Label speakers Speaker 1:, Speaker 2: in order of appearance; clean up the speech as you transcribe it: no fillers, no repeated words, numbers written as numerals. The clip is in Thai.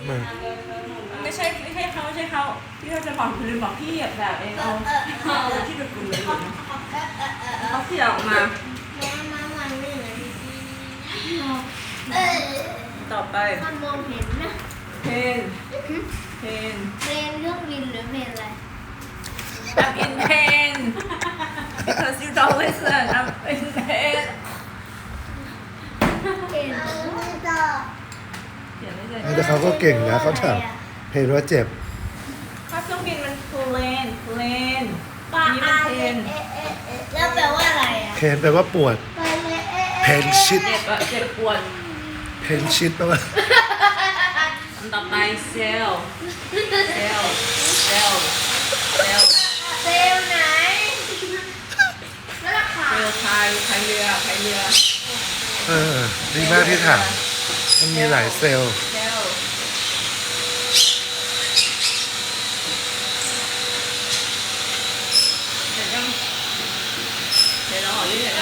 Speaker 1: มา
Speaker 2: ไม่ใช่เขาพี่เขาจะบอกคือบอกพี่แบบเองเอาที่เป็นกลุ่มเลยเขาเขี่ยออกมาต่อไป
Speaker 3: มันมองเห็นนะ
Speaker 2: เพน
Speaker 3: เพลงเรื่องวินหรือเพลงอะไร
Speaker 2: I'm in pain because you don't listen I'm in pain
Speaker 3: เพลง
Speaker 2: เขียนไม่ได้
Speaker 1: แต่เขาก็เก่งนะเขาถามเพลงว่าเจ็บ
Speaker 2: ถ้าเครื่องบินมัน plane
Speaker 3: ปลา
Speaker 2: นี่มันเพน
Speaker 3: แล้วแปลว่าอะไรอ่ะ
Speaker 1: เพนแปลว่าปวด เพนชิด
Speaker 2: เจ็บปวด
Speaker 1: เพนชิดแปลว่า
Speaker 2: อันต่อไปเซล
Speaker 3: เซลล์ไหนแล้วราคา
Speaker 2: พายเรือ
Speaker 1: ดีมากที่ถามมันมีหลายเซลล์
Speaker 2: เซลเดี๋ยวเราขอยืดหน่อย